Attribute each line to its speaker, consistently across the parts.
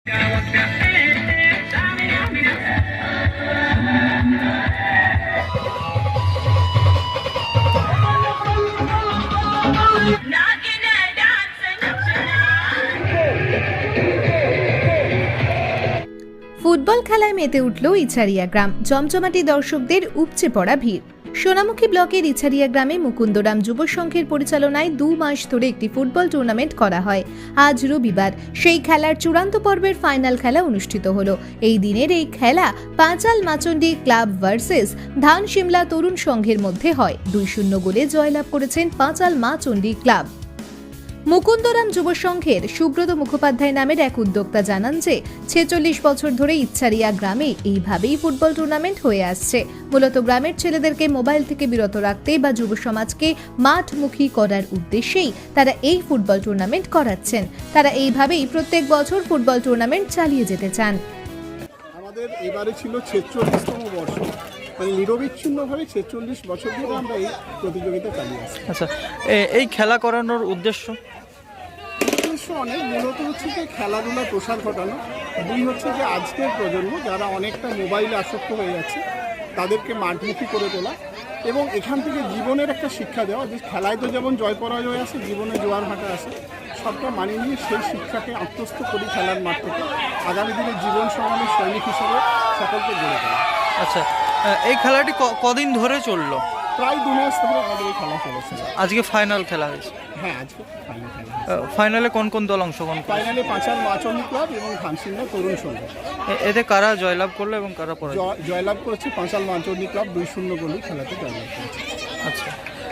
Speaker 1: Football খেলায় মেতে উঠল ইছারিয়া গ্রাম। জমজমাটি দর্শকদের উপচে পড়া ভিড়। সোনামুখী ব্লকের ইছারিয়া গ্রামে মুকুন্দরাম যুব সংঘের পরিচালনায় 2 মাস ধরে একটি ফুটবল টুর্নামেন্ট করা হয়। আজ রবিবার সেই খেলার চূড়ান্ত পর্বের ফাইনাল খেলা অনুষ্ঠিত হলো। এই দিনের এই খেলা পাঁচাল মাচন্ডি ক্লাব ভার্সেস ধান সিমলা তরুণ সংঘের মধ্যে হয়। 2-0 গোলে জয়লাভ করেছেন পাঁচাল মাচন্ডি ক্লাব। মুকুন্দরাম যুব সংঘের সুব্রত মুখোপাধ্যায় নামের এক উদ্যোক্তা জানান যে 46 বছর ধরে ইছারিয়া গ্রামে এইভাবেই ফুটবল টুর্নামেন্ট হয়ে আসছে। মূলত গ্রামের ছেলেদেরকে মোবাইল থেকে বিরত রাখতে বা যুব সমাজকে মাঠমুখী করার উদ্দেশ্যেই তারা এই ফুটবল টুর্নামেন্ট করাচ্ছেন। তারা এইভাবেই প্রত্যেক বছর ফুটবল টুর্নামেন্ট চালিয়ে যেতে চান।
Speaker 2: আমাদের এবারে ছিল 46তম বর্ষ, মানে নিরবিচ্ছিন্নভাবে 46 বছর ধরে আমরা এই প্রতিযোগিতা চালিয়ে আসছি।
Speaker 3: আচ্ছা, এই খেলা করানোর উদ্দেশ্য
Speaker 2: অনেক, মূলত হচ্ছে যে খেলাধুলা প্রসার ঘটানো, দুই হচ্ছে যে আজকের প্রজন্ম যারা অনেকটা মোবাইলে আসক্ত হয়ে যাচ্ছে তাদেরকে মাঠমুখী করে তোলা এবং এখান থেকে জীবনের একটা শিক্ষা দেওয়া যে খেলায় তো যেমন জয় পরাজয় আছে, জীবনে জোয়ার ভাটা আছে, সবটা মানিয়ে নিয়ে সেই শিক্ষাকে আত্মস্থ করি খেলার মাঠ থেকে আগামী দিনে জীবন সমানের সৈনিক হিসেবে সকলকে গড়ে তোলা।
Speaker 3: আচ্ছা, এই খেলাটি কদিন ধরে চললো?
Speaker 2: প্রায় 2 মাস ধরে আমাদের এই খেলা চলেছে।
Speaker 3: আজকে ফাইনাল খেলা হয়েছে?
Speaker 2: হ্যাঁ, আজকে ফাইনাল খেলা।
Speaker 3: ফাইনালে কোন কোন দল অংশগ্রহণ?
Speaker 2: ফাইনালে পাঁচাল মাচন্ডি ক্লাব এবং ধান সিমলা তরুণ সংঘ।
Speaker 3: এতে কারা জয়লাভ করলো এবং কারা পরাজয়?
Speaker 2: জয়লাভ করেছে পাঁচাল মাচন্ডি ক্লাব, 2-0 গোলে খেলাতে জয়লাভ করেছে।
Speaker 3: আচ্ছা,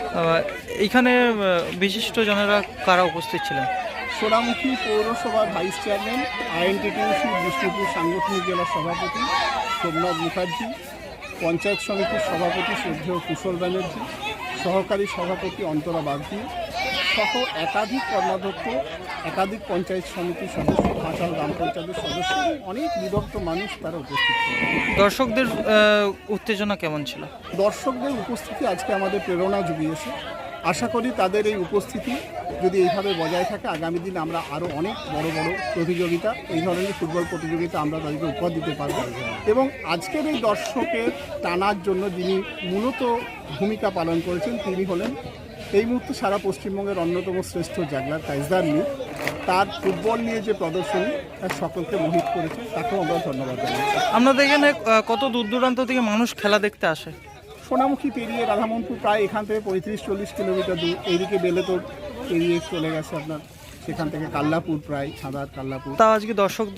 Speaker 3: এইখানে বিশিষ্ট জনেরা কারা উপস্থিত ছিলেন?
Speaker 2: সোনামুখী পৌরসভার ভাইস চেয়ারম্যান, আইএনটিটিউসি বিষ্ণুপুর সাংগঠনিক জেলার সভাপতি সোমনাথ মুখার্জি, পঞ্চায়েত সমিতির সভাপতি শ্রদ্ধেয় কুশল ব্যানার্জি, সহকারী সভাপতি অন্তরা বাগদি সহ একাধিক কর্মাধ্যক্ষ, একাধিক পঞ্চায়েত সমিতির সদস্য, পাঁচাল গ্রাম পঞ্চায়েতের সদস্য, অনেক বিভক্ত মানুষ তারা উপস্থিত ছিল।
Speaker 3: দর্শকদের উত্তেজনা কেমন ছিল?
Speaker 2: দর্শকদের উপস্থিতি আজকে আমাদের প্রেরণা জুগিয়েছে। আশা করি তাদের এই উপস্থিতি যদি এইভাবে বজায় থাকে আগামী দিনে আমরা আরও অনেক বড় বড় প্রতিযোগিতা, এই ধরনের ফুটবল প্রতিযোগিতা আমরা তাদেরকে উপহার দিতে পারব। এবং আজকের এই দর্শকের টানার জন্য যিনি মূলত ভূমিকা পালন করেছেন তিনি হলেন এই মুহূর্তে সারা পশ্চিমবঙ্গের অন্যতম শ্রেষ্ঠ জাগলার কাইজদার নিউ। তার ফুটবল নিয়ে যে প্রদর্শনী তার সকলকে মোহিত করেছে, তাকেও আমরা ধন্যবাদ জানাচ্ছি।
Speaker 3: আপনাদের এখানে কত দূর দূরান্ত থেকে মানুষ খেলা দেখতে আসে?
Speaker 2: সোনামুখী পেরিয়ে রাধামনপুর প্রায় এখান থেকে 35-40 কিলোমিটার দূর, এইদিকে বেলেতোর পেরিয়ে চলে গেছে আপনার, সেখান থেকে কাল্লাপুর, প্রায় ছাদার কাল্লাপুর।
Speaker 3: তা আজকে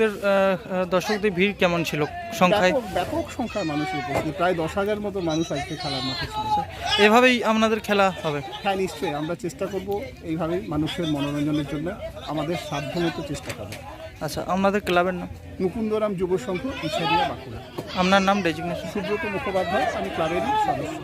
Speaker 3: দর্শকদের ভিড় কেমন ছিল সংখ্যায়?
Speaker 2: ব্যাপক সংখ্যায় মানুষের উপস্থিত, প্রায় 10,000 মতো মানুষ আজকে খেলার মাঠে ছিল।
Speaker 3: এভাবেই আপনাদের খেলা হবে?
Speaker 2: হ্যাঁ, নিশ্চয়ই আমরা চেষ্টা করব এইভাবেই মানুষের মনোরঞ্জনের জন্য আমাদের সাধ্যমতো চেষ্টা করব।
Speaker 3: আচ্ছা, আপনাদের ক্লাবের নাম?
Speaker 2: মুকুন্দরাম যুব সংঘ, ইছারিয়া, বাঁকুড়া।
Speaker 3: আপনার নাম, ডেজিগনেশন?
Speaker 2: সুব্রত মুখোপাধ্যায়, আমি ক্লাবেরই সদস্য।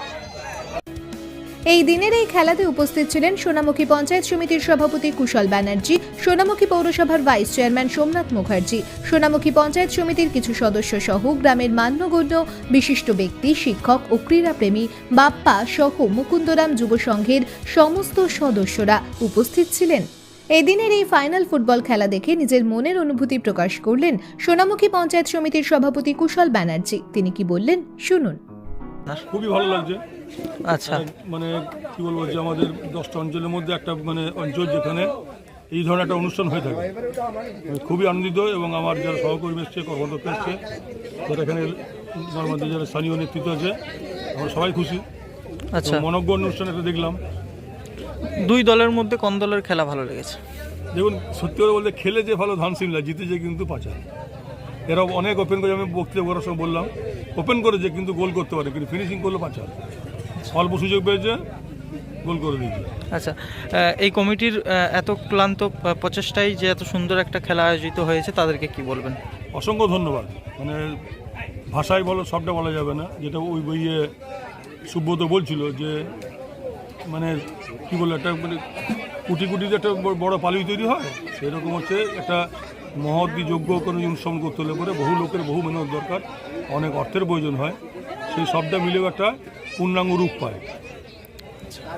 Speaker 1: এই দিনের এই খেলাতে উপস্থিত ছিলেন সোনামুখী পঞ্চায়েত সমিতির সভাপতি কুশল ব্যানার্জি, সোনামুখী পৌরসভার ভাইস চেয়ারম্যান সোমনাথ মুখার্জি, সোনামুখী পঞ্চায়েত সমিতির কিছু সদস্য সহ গ্রামের মান্যগণ্য বিশিষ্ট ব্যক্তি, শিক্ষক ও ক্রীড়াপ্রেমী বাপ্পা সহ মুকুন্দরাম যুব সংঘের সমস্ত সদস্যরা উপস্থিত ছিলেন। এদিনের এই ফাইনাল ফুটবল খেলা দেখে নিজের মনের অনুভূতি প্রকাশ করলেন সোনামুখী পঞ্চায়েত সমিতির সভাপতি কুশল ব্যানার্জি। তিনি কি বললেন শুনুন।
Speaker 4: খুবই ভালো লাগছে।
Speaker 3: আচ্ছা,
Speaker 4: মানে কি বলবো যে আমাদের 10টা অঞ্চলের মধ্যে একটা মানে অঞ্চল যেখানে এই ধরনের একটা অনুষ্ঠান হয়ে থাকে, খুবই আনন্দিত। এবং আমার যারা সহকর্মী এসছে, কর্মদক্ষ এসছে, যারা এখানে আমাদের যারা স্থানীয় নেতৃত্ব আছে, আমরা সবাই খুশি।
Speaker 3: আচ্ছা,
Speaker 4: মনজ্ঞ অনুষ্ঠান একটা দেখলাম।
Speaker 3: দুই দলের মধ্যে কোন দলের খেলা ভালো লেগেছে?
Speaker 4: দেখুন, সত্যি করে বলতে খেলে যে ভালো ধান সিমলা, জিতেছে কিন্তু পাঁচাল। এরা অনেক ওপেন করে, আমি বক্তৃতা করার সময় বললাম, ওপেন করেছে কিন্তু গোল করতে পারে, কিন্তু ফিনিশিং করলো পাঁচাল। অল্প সুযোগ পেয়েছে, গোল করে দিয়েছে।
Speaker 3: আচ্ছা, এই কমিটির এত ক্লান্ত প্রচেষ্টায় যে এত সুন্দর একটা খেলা আয়োজিত হয়েছে, তাদেরকে কি বলবেন?
Speaker 4: অসংখ্য ধন্যবাদ। মানে ভাষায় বলো, সবটা বলা যাবে না। যেটা ওই বইয়ে সুব্রত বলছিল যে মানে কী বলে একটা মানে কুটি কুটিতে একটা বড় পালুই তৈরি হয়, সেরকম হচ্ছে একটা মহৎ যোগ্য কোনো অনুষ্ঠান করতে হলে পরে বহু লোকের বহু মেহনত দরকার, অনেক অর্থের প্রয়োজন হয়। সেই সবটা মিলেও একটা পূর্ণাঙ্গ রূপ পায়।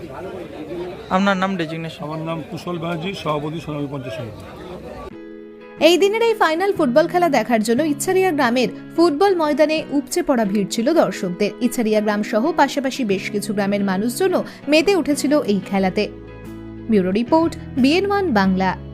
Speaker 3: আপনার নাম, ডেজিগনেশন?
Speaker 4: আমার নাম কুশল ব্যানার্জি, সভাপতি সোনামুখী পঞ্চায়েত সমিতি।
Speaker 1: এই দিনের এই ফাইনাল ফুটবল খেলা দেখার জন্য ইছারিয়া গ্রামের ফুটবল ময়দানে উপচে পড়া ভিড় ছিল দর্শকদের। ইছারিয়া গ্রাম সহ পাশাপাশি বেশ কিছু গ্রামের মানুষজনও মেতে উঠেছিল এই খেলাতে। Bureau report BN1 Bangla.